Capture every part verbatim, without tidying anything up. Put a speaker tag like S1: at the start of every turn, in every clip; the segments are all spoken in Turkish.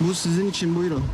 S1: Bu sizin için, buyurun.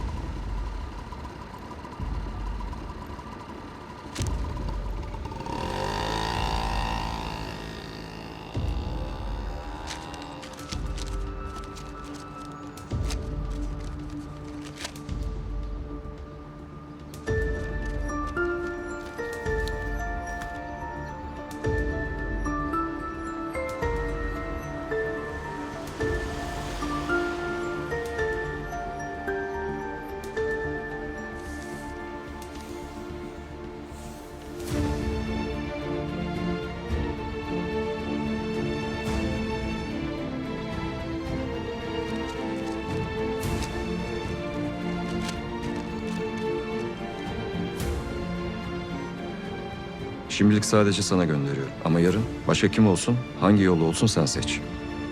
S2: Şimdilik sadece sana gönderiyorum. Ama yarın başka kim olsun, hangi yolu olsun sen seç.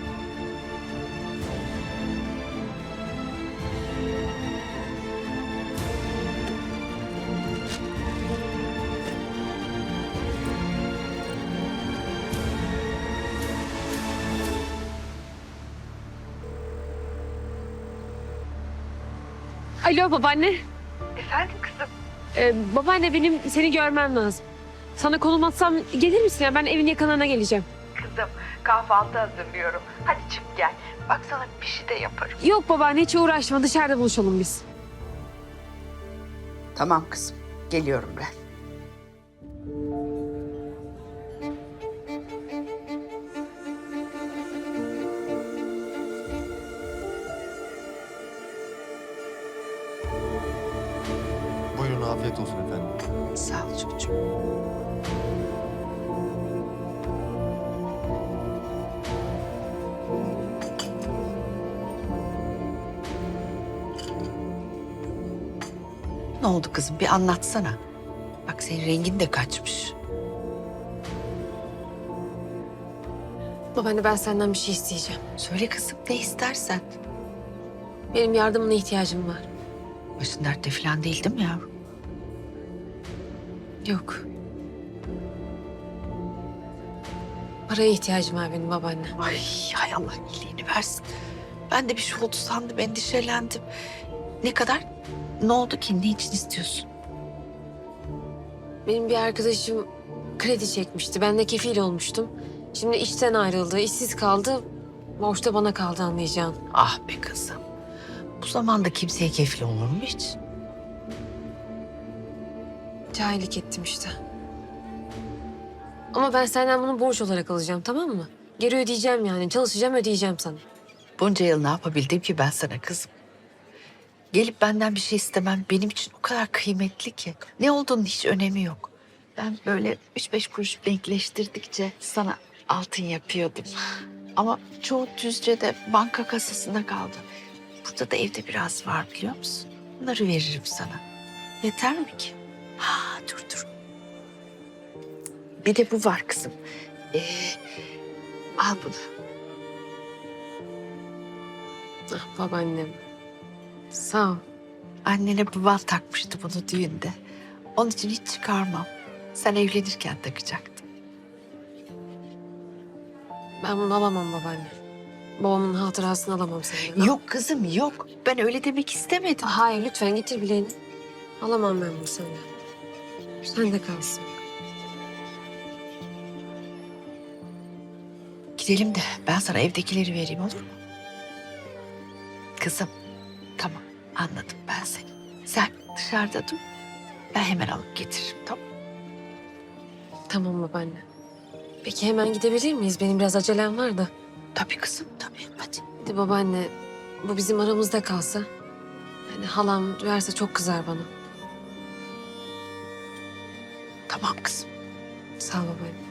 S3: Alo babaanne.
S4: Efendim kızım?
S3: Ee, babaanne benim seni görmem lazım. Sana konum atsam gelir misin ya? Ben evin yakınına geleceğim.
S4: Kızım kahvaltı hazırlıyorum. Hadi çık gel. Bak sana bir şey de yaparım.
S3: Yok babaanne hiç uğraşma. Dışarıda buluşalım biz.
S4: Tamam kızım. Geliyorum ben.
S5: Buyurun, afiyet olsun efendim.
S4: Sağ ol çocuğum. Ne oldu kızım? Bir anlatsana. Bak senin rengin de kaçmış.
S3: Babaanne ben senden bir şey isteyeceğim.
S4: Söyle kızım ne istersen.
S3: Benim yardımına ihtiyacım var.
S4: Başın dertte falan değil değil mi yavrum?
S3: Yok. Paraya ihtiyacım var benim babaanne.
S4: Ay hay Allah iyiliğini versin. Ben de bir şey oldu sandım, endişelendim. Ne kadar? Ne oldu ki? Ne için istiyorsun?
S3: Benim bir arkadaşım kredi çekmişti. Ben de kefil olmuştum. Şimdi işten ayrıldı, işsiz kaldı. Borçta bana kaldı anlayacağın.
S4: Ah be kızım. Bu zamanda kimseye kefil olur mu hiç?
S3: Cahillik ettim işte. Ama ben senden bunu borç olarak alacağım tamam mı? Geri ödeyeceğim yani. Çalışacağım ödeyeceğim sana.
S4: Bunca yıl ne yapabildim ki ben sana kızım? Gelip benden bir şey istemem benim için o kadar kıymetli ki. Ne olduğunun hiç önemi yok. Ben böyle üç beş kuruş denkleştirdikçe sana altın yapıyordum. Ama çoğu Düzce'de banka kasasında kaldı. Burada da evde biraz var biliyor musun? Bunları veririm sana. Yeter mi ki? Ha dur dur. Bir de bu var kızım. Ee, al bunu.
S3: Ah babaannem. Sağ ol.
S4: Annene baban takmıştı bunu düğünde. Onun için hiç çıkarmam. Sen evlenirken takacaktın.
S3: Ben bunu alamam babaanne. Babamın hatırasını alamam senden.
S4: Yok kızım yok. Ben öyle demek istemedim.
S3: Hayır lütfen getir bileğini. Alamam ben bunu senden. Sen de kalsın.
S4: Gidelim de ben sana evdekileri vereyim olur mu? Kızım tamam anladım ben seni. Sen dışarıda dur. Ben hemen alıp getiririm tamam.
S3: Tamam babaanne. Peki hemen gidebilir miyiz? Benim biraz acelem var da.
S4: Tabii kızım tabii hadi.
S3: Hadi babaanne bu bizim aramızda kalsa. Yani halam duyarsa çok kızar bana.
S4: Tamam kızım.
S3: Sağ ol babaanne.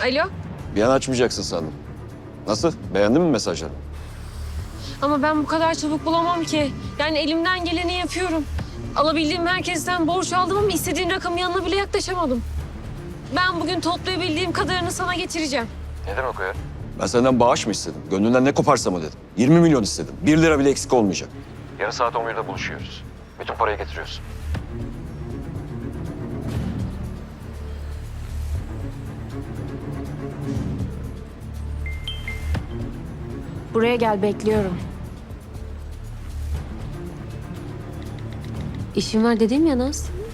S3: Alo?
S2: Bir an açmayacaksın sandım. Nasıl? Beğendin mi mesajları?
S3: Ama ben bu kadar çabuk bulamam ki. Yani elimden geleni yapıyorum. Alabildiğim herkesten borç aldım ama istediğim rakamın yanına bile yaklaşamadım. Ben bugün toplayabildiğim kadarını sana getireceğim.
S2: Ne demek o ya? Ben senden bağış mı istedim? Gönlünden ne koparsa mı dedim? yirmi milyon istedim. Bir lira bile eksik olmayacak. Yarın saat on birde buluşuyoruz. Bütün parayı getiriyorsun.
S3: Buraya gel, bekliyorum. İşim var dedim ya Naz.